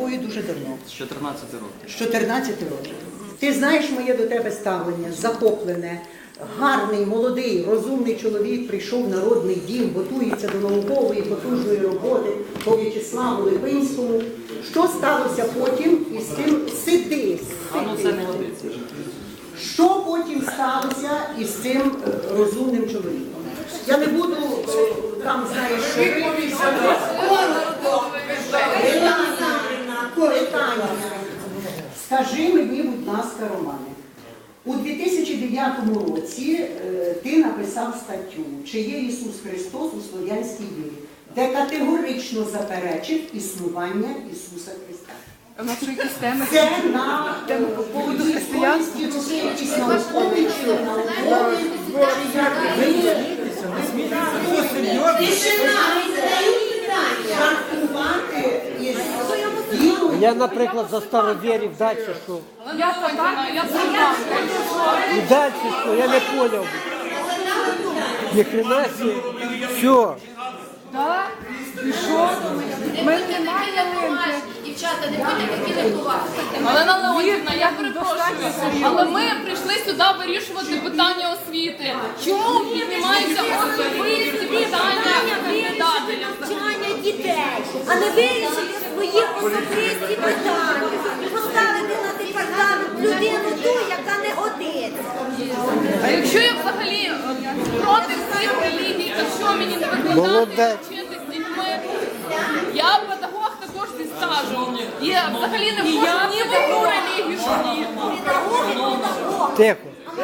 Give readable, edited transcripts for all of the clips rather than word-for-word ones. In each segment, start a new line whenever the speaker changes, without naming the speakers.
тобою дуже давно.
З 14 років.
З 14 років. Ти знаєш моє до тебе ставлення, захоплене. Гарний, молодий, розумний чоловік прийшов в Народний дім, готується до наукової, потужної роботи по В'ячеславу Липинському. Що сталося потім із тим? Сиди.
А ну це не годиться.
Що потім сталося із цим розумним чоловіком? Я не буду там, знаєш, питання. Скажи мені, будь ласка, Романе, у 2009 році ти написав статтю «Чи є Ісус Христос у слов'янській вірі», де категорично заперечив існування Ісуса Христа.
У нас що якісь теми?
Це на
поводу християнства?
якісь наукові чи наукові. Жартувати із вірою.
Я, наприклад, за старовірів, далі що?
Я так, я сама.
І далі що? Я не поняв. Ніхрена себе. Все.
Так? І що? Ми немає ялинки.
Дівчата, не будьте такі легковаті.
Галина Леонтівна, я перепрошую, але ми прийшли сюди вирішувати питання освіти. Чому піднімаються особисті питання кандидатів?
Навчання дітей, а не вирішити свої особисті питання. Поставити на департамент людину ту, яка не годиться.
А якщо я взагалі проти всіх релігій, то що мені не викладати
Молодець.
вчити з дітьми? Я педагог також зі стажем. І взагалі не вхожу ні в одну релігію, ні.
Тихо.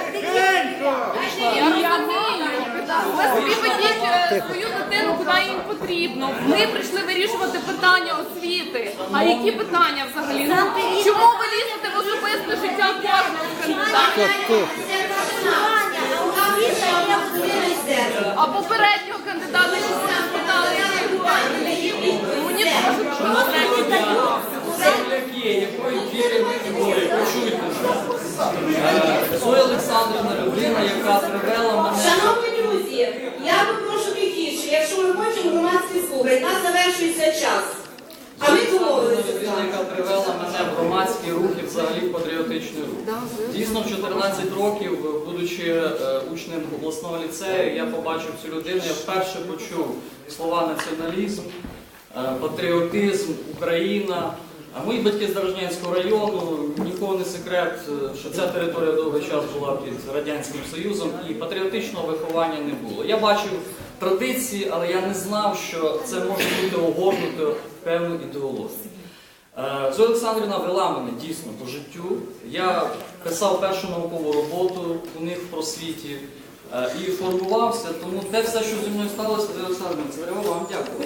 Я розумію. Ви собі ведіть свою дитину, куди їм потрібно. Ми прийшли вирішувати питання освіти. А які питання взагалі? Чому ви лізете в особисте життя кожного кандидата?
Тихо.
А попереднього кандидата що ви спитали? Мені кажуть, що
Якої віри ви говорите? Почуйте. Зоя Олександрівна людина, яка привела мене.
Шановні друзі, я попрошу тихіше, якщо ми хочемо громадські слухати, нас завершується час. А ми домовилися з
Людина,
вами.
яка привела мене в громадські рухи, взагалі в патріотичний рух. Дійсно, в 14 років, будучи учнем обласного ліцею, я побачив цю людину, я вперше почув слова націоналізм, патріотизм, Україна. А мої батьки з Дорожнянського району, нікого не секрет, що ця територія довгий час була під Радянським Союзом і патріотичного виховання не було. Я бачив традиції, але я не знав, що це може бути огорнуто в певну ідеологію. Зоя Олександрівна вела мене дійсно по життю. Я писав першу наукову роботу у них в просвіті і формувався, тому те все, що зі мною сталося, Зоя Олександрівна, це треба вам дякую.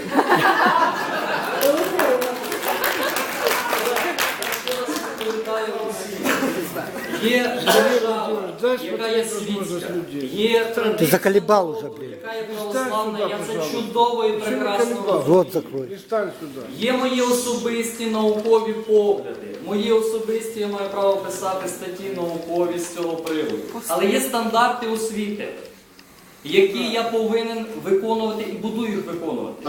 Є держава, яка є світська, є традиція,
Ти заколебав уже, блін.
яка є православна, я це чудово і прекрасно розумію.
Рот закрой.
Є мої особисті наукові погляди, мої особисті, я маю право писати статті наукові з цього приводу. Але є стандарти освіти, які я повинен виконувати і буду їх виконувати.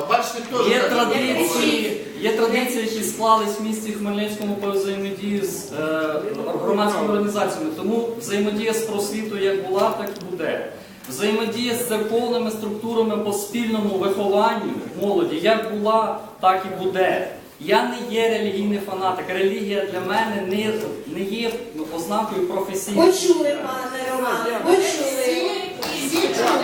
Є традиції, які склались в місті Хмельницькому по взаємодії з громадськими організаціями. Тому взаємодія з просвітою як була, так і буде. Взаємодія з церковними структурами по спільному вихованню молоді як була, так і буде. Я не є релігійний фанатик. Релігія для мене не є ознакою професійності.
Почули, пане Романе, почули.